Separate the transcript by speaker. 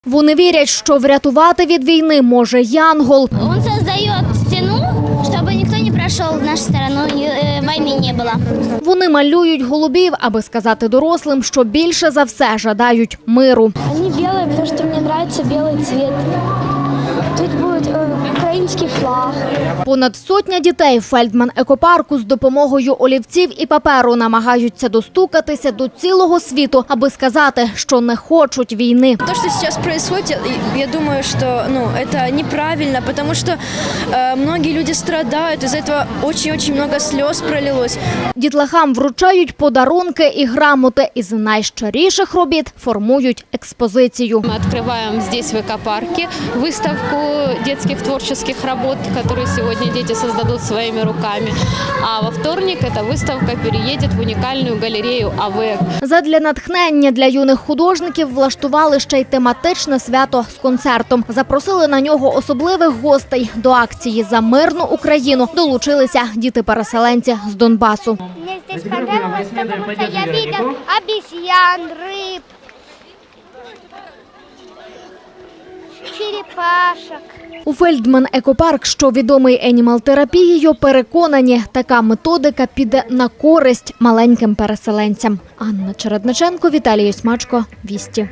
Speaker 1: Вони вірять, що врятувати від війни може янгол.
Speaker 2: Він створює стіну, щоб ніхто не пройшов в нашу сторону, війни не було.
Speaker 1: Вони малюють голубів, аби сказати дорослим, що більше за все жадають миру.
Speaker 3: Вони білі, тому що мені подобається білий цвіт. Тут буде український флаг.
Speaker 1: Понад сотня дітей в Фельдман-екопарку з допомогою олівців і паперу намагаються достукатися до цілого світу, аби сказати, що не хочуть війни.
Speaker 4: То, что сейчас происходит, я думаю, что это неправильно, потому что многие люди страдают, из-за этого очень-очень много слез пролилось.
Speaker 1: Дітлахам вручають подарунки і грамоти, із найщиріших робіт формують експозицію.
Speaker 5: Мы открываем здесь в экопарке выставку детских творческих работ, которые сегодня дети создадут своими руками. А во вторник эта выставка переедет в уникальную галерею АВЭК.
Speaker 1: Задля натхнення для юних художників влаштували ще й тематичне свято з концертом. Запросили на нього особливих гостей. До акції «За мирну Україну» долучилися діти-переселенці з Донбасу.
Speaker 2: Мені тут подобалось, тому що я бачив обезьян, риб, черепашок.
Speaker 1: У Фельдман-екопарк, що відомий енімал-терапією, переконані, така методика піде на користь маленьким переселенцям. Анна Чередниченко, Віталій Осьмачко, Вісті.